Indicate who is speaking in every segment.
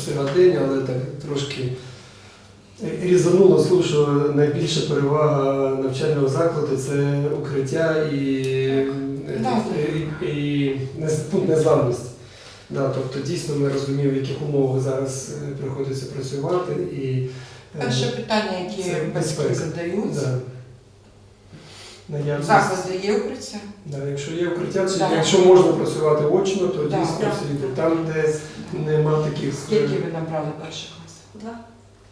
Speaker 1: сьогодення, але так трошки різануло слух, що найбільша перевага навчального закладу – це укриття і пункт незламності. Да, тобто дійсно ми розуміємо, в яких умовах зараз приходиться працювати. І
Speaker 2: перше питання, які батьки задають.
Speaker 1: Да.
Speaker 2: Заклади є укриття?
Speaker 1: Да, якщо є укриття, якщо можна працювати очно, то дійсно всі там, де нема таких...
Speaker 2: Скільки ви набрали перших класів?
Speaker 3: 2.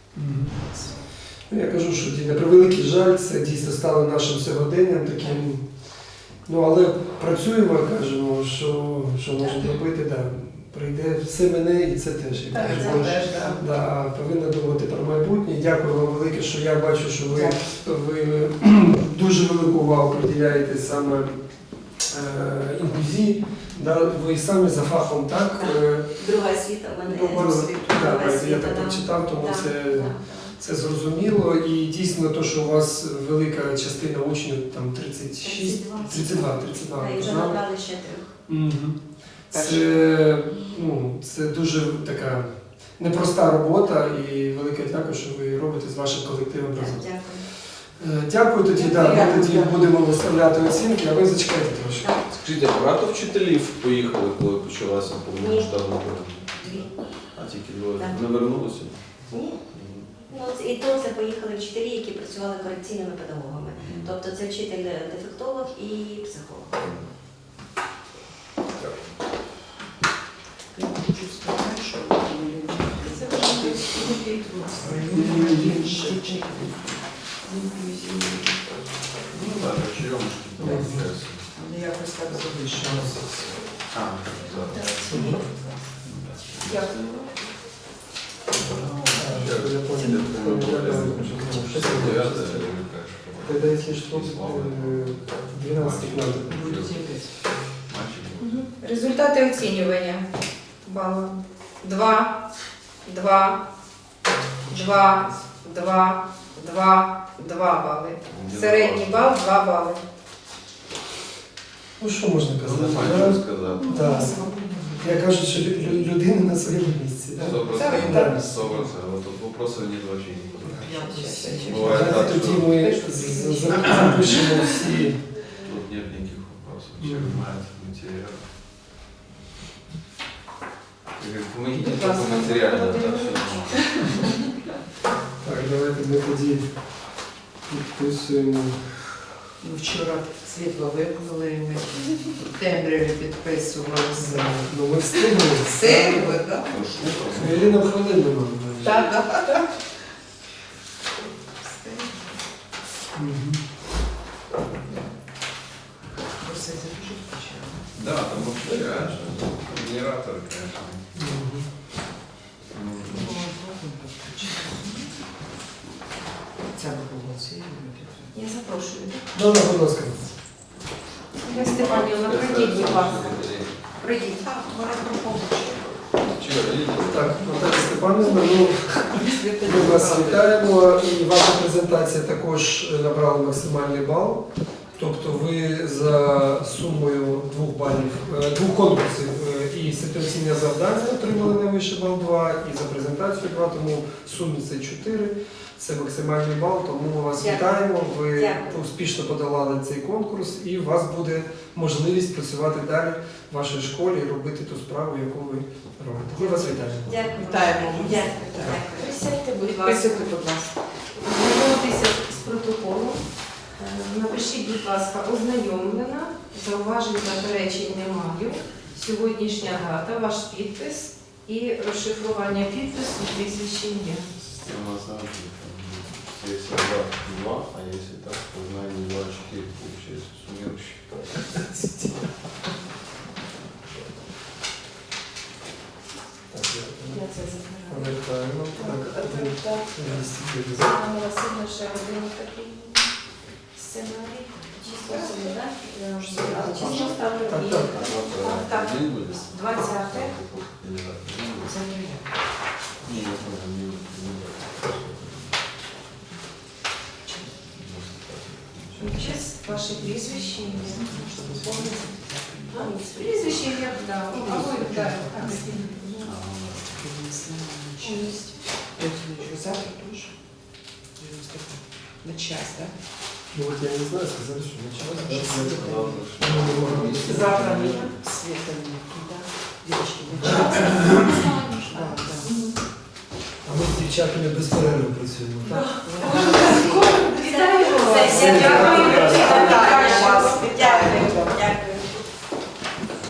Speaker 1: Я кажу, що на превеликий жаль, це дійсно стало нашим сьогоденням таким. Ну, але працюємо, кажемо, що можемо робити, да. Прийде все мене і це теж.
Speaker 2: Так, це теж,
Speaker 1: да, повинна думати про майбутнє. Дякую вам велике, що я бачу, що ви дуже велику увагу приділяєте саме інклюзії. Да, ви самі за фахом, так?
Speaker 3: Друга освіта в мене.
Speaker 1: Я так прочитав, тому це зрозуміло. І дійсно, то, що у вас велика частина учнів, там 32.
Speaker 3: І вже набрали ще 3.
Speaker 1: Це дуже така непроста робота і велике дякую, що ви робите з вашим колективом разом.
Speaker 3: Дякую.
Speaker 1: Дякую тоді, ми тоді будемо виставляти оцінки, а ви зачекайте трошки.
Speaker 4: Скажіть, а багато вчителів поїхали, коли почалася повномасштабна війна?
Speaker 3: 2.
Speaker 4: А тільки 2? Не вернулися?
Speaker 3: Ні. І то це поїхали вчителі, які працювали корекційними педагогами. Тобто це вчитель-дефектолог і психолог.
Speaker 2: Я хочу сказати, що це
Speaker 4: Ну так, чайом
Speaker 2: але якось так залишилося. Дякую.
Speaker 1: Тогда, если что, 12 надо.
Speaker 5: Результати оцінювання балу. 2, 2, 2, 2, 2, 2 бали. Середній бал 2 бали.
Speaker 1: Ну що можна казати?
Speaker 4: Немає що сказати.
Speaker 1: Да. Я кажу, що людина на своєму місці. Да?
Speaker 4: 100%. 100%. Вот тут вопросов нет вообще никуда. Бывает так,
Speaker 1: Давайте тоді
Speaker 4: что
Speaker 1: ми запишемо всі.
Speaker 4: тут нет никаких вопросов. Человек знает материал. И говорит, помогите только материально, да, все
Speaker 1: Так, давайте ми тоді підписуємо.
Speaker 2: Вчора світло вимкнули, і ми в темряві підписувалися.
Speaker 1: Ну ми встигли.
Speaker 2: Встигли, так?
Speaker 1: Хвилина в хвилину нам.
Speaker 2: Так, так.
Speaker 1: Мгм.
Speaker 2: Все дуже почали.
Speaker 4: Да, там вообще реально генератор, конечно.
Speaker 1: Мгм.
Speaker 2: Ця пропозиція.
Speaker 3: Я запрошую.
Speaker 1: Добре, будь ласка.
Speaker 5: Ольга Степанівна, пройдіть, будь ласка. Пройдіть.
Speaker 1: Так, Наталя Степанівна, ми вас вітаємо. І ваша презентація також набрала максимальний бал. Тобто ви за сумою 2 балів, 2 конкурсів і ситуаційне завдання отримали найвищий бал 2, і за презентацію 2, тому в сумі це 4. Це максимальний бал, тому ми вас вітаємо. Ви успішно подолали цей конкурс і у вас буде можливість працювати далі в вашій школі і робити ту справу, яку ви робите. Ми вас вітаємо.
Speaker 3: Дякую.
Speaker 2: Вітаємо.
Speaker 3: Дякую.
Speaker 5: Присядьте, будь ласка.
Speaker 2: Підписуйте, будь ласка.
Speaker 5: Ознайомитися з протоколом. Напишіть, будь ласка, ознайомлена, зауважень, заперечень не маю. Сьогоднішня дата, ваш підпис і розшифрування підпису, прізвище ім'я.
Speaker 4: Система оценки, если 2, а если так, то знание 2, 4, получается, суммирующий.
Speaker 5: Я це забираю.
Speaker 1: Повертаємо. Так,
Speaker 5: Анна Васильівна, ще один такий сценарій.
Speaker 3: Число собі, так? Число ставлю і...
Speaker 5: Так.
Speaker 4: Один будет?
Speaker 5: 20.
Speaker 4: Или так?
Speaker 5: Забираю.
Speaker 4: Не, я понял, не
Speaker 5: Честь, ваше прізвище, ім'я. Прізвище, ім'я, так. Або, так.
Speaker 2: максимальная часть. Завтра тоже? 95. На час, да?
Speaker 1: Ну вот я не знаю, сказали, что началось.
Speaker 2: Завтра нет. Света нет, да? Девочки, на час. Да, да.
Speaker 1: А ми з дівчатами без перерви працюємо. Так?
Speaker 5: Вітаю вас!
Speaker 3: Сесія.